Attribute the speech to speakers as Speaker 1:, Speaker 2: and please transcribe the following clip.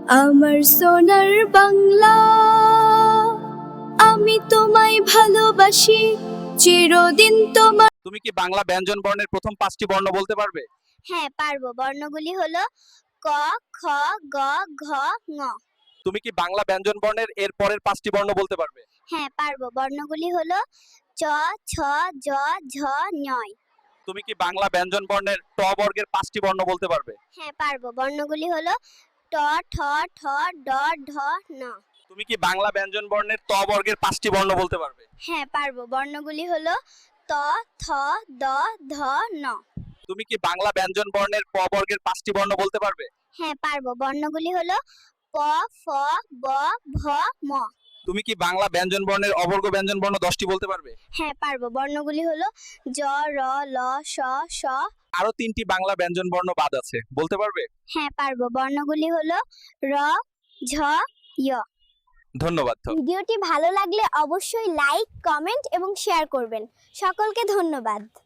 Speaker 1: আমার সোনার বাংলা, আমি তোমায় ভালোবাসি চিরদিন তোমার।
Speaker 2: তুমি কি বাংলা ব্যঞ্জন বর্ণের প্রথম 5টি বর্ণ বলতে পারবে?
Speaker 3: হ্যাঁ পারবো। বর্ণগুলি হলো ক, খ, গ, ঘ, ঙ।
Speaker 2: তুমি কি বাংলা ব্যঞ্জন বর্ণের এর পরের 5টি বর্ণ বলতে পারবে?
Speaker 3: হ্যাঁ পারবো। বর্ণগুলি হলো চ, ছ, জ, ঝ, ঞ।
Speaker 2: তুমি কি বাংলা ব্যঞ্জন বর্ণের ট বর্গের 5টি বর্ণ বলতে পারবে?
Speaker 3: হ্যাঁ পারবো। বর্ণগুলি হলো ট, ঠ, ঠ, ড, ঢ, ণ।
Speaker 2: তুমি কি বাংলা ব্যঞ্জন বর্ণের ত বর্গের 5টি বর্ণ বলতে পারবে?
Speaker 3: হ্যাঁ পারবো। বর্ণগুলি হলো ত, থ, দ, ধ, ন।
Speaker 2: তুমি কি বাংলা ব্যঞ্জন বর্ণের প বর্গের 5টি বর্ণ বলতে পারবে?
Speaker 3: হ্যাঁ পারবো। বর্ণগুলি হলো প, ফ, ব, ভ, ম।
Speaker 2: তুমি কি বাংলা ব্যঞ্জন বর্ণের অবর্গ ব্যঞ্জন বর্ণ 10টি বলতে পারবে?
Speaker 3: হ্যাঁ পারবো। বর্ণগুলি হলো জ, র, ল, শ, শ।
Speaker 2: আরো 3টি বাংলা ব্যঞ্জন বর্ণ বাদ আছে, বলতে পারবে?
Speaker 3: হ্যাঁ পারবো। বর্ণগুলি হলো র, ঝ, য়।
Speaker 2: ধন্যবাদ।
Speaker 3: ভিডিওটি ভালো লাগলে অবশ্যই লাইক, কমেন্ট এবং শেয়ার করবেন। সকলকে ধন্যবাদ।